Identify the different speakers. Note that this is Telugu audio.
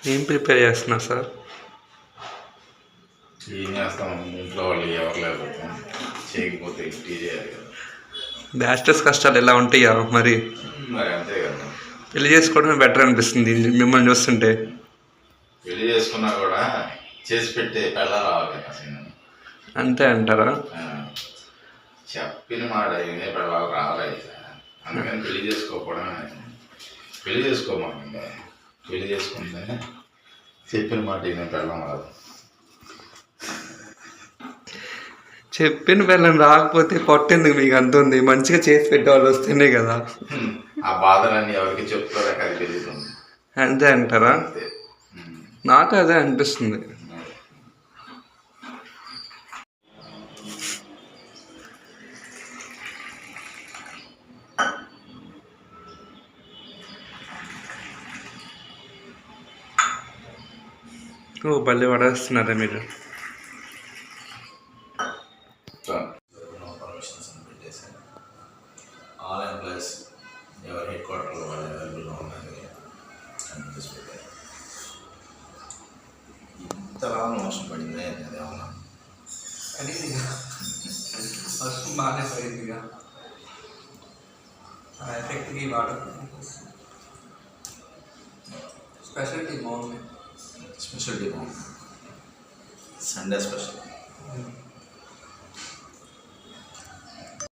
Speaker 1: ఏం ప్రిపేర్ చేస్తున్నారు సార్?
Speaker 2: ఏం చేస్తాం, ఇంట్లో వాళ్ళు ఎవరు లేకపోతే చేయకపోతే టీ చేయాలి కదా.
Speaker 1: బ్యాచిలర్స్ కష్టాలు ఎలా ఉంటాయా మరి?
Speaker 2: మరి అంతే కదా.
Speaker 1: పెళ్లి చేసుకోవడమే బెటర్ అనిపిస్తుంది మిమ్మల్ని చూస్తుంటే.
Speaker 2: పెళ్లి చేసుకున్నా కూడా చేసి పెట్టే పెళ్ళ రావాలి అసలు.
Speaker 1: అంతే అంటారా?
Speaker 2: చెప్పిన మాట ఇదే పెళ్ళాలు రావాలి. అందుకని పెళ్లి చేసుకోకపోవడమే. పెళ్లి చేసుకోమంటే పెళ్లి చేసుకుంటే చెప్పిన మాట ఇదే పెళ్ళం రాదు.
Speaker 1: చెప్పిన పిల్లని రాకపోతే పొట్టేందుకు మీకు అంత ఉంది? మంచిగా చేసి పెట్టేవాళ్ళు వస్తేనే కదా.
Speaker 2: ఆ బాధలన్నీ ఎవరికి చెప్తారో అది పెరుగుతుంది.
Speaker 1: అంతే అంటారా?
Speaker 2: అంతే.
Speaker 1: నాకు అదే అనిపిస్తుంది. ఓ బల్లి పడేస్తున్నారా మీరు?
Speaker 2: పర్మిషన్స్ అని పెట్టేశాను. ఆల్ ఎంప్లాయీస్ ఎవరి హెడ్ క్వార్టర్లో వాళ్ళు అవైలబుల్గా ఉన్నది అని చేసి పెట్టారు. ఇంతలా మోసం పడిందే అదేమన్నా
Speaker 1: వర్షం బాగానే పడిందిగా, ఆ ఎఫెక్ట్కి వాటర్ స్పెషాలిటీ బాగుంది.
Speaker 2: స్పెషల్ డే బాగుంది. Sunday special.